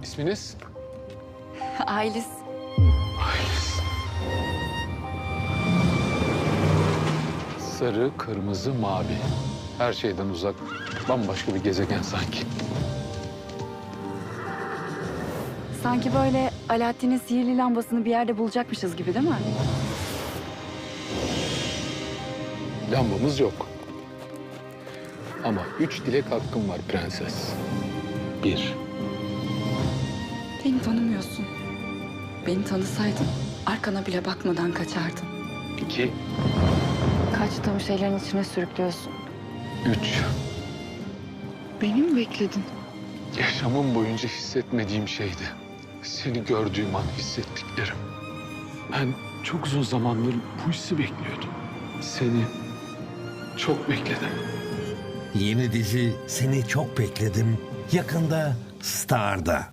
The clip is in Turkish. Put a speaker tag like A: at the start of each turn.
A: İsminiz?
B: Aylis.
A: Aylis. Sarı, kırmızı, mavi. Her şeyden uzak, bambaşka bir gezegen sanki.
B: Sanki böyle Alaaddin'in sihirli lambasını bir yerde bulacakmışız gibi değil mi?
A: Lambamız yok. Ama 3 dilek hakkım var prenses. 1.
B: Beni tanımıyorsun. Beni tanısaydın arkana bile bakmadan kaçardın.
A: 2.
B: Kaçtığım şeylerin içine sürüklüyorsun.
A: 3.
B: Beni mi bekledin?
A: Yaşamım boyunca hissetmediğim şeydi. Seni gördüğüm an hissettiklerim. Ben çok uzun zamandır bu hissi bekliyordum. Seni çok bekledim.
C: Yeni dizi Seni Çok Bekledim yakında Star'da.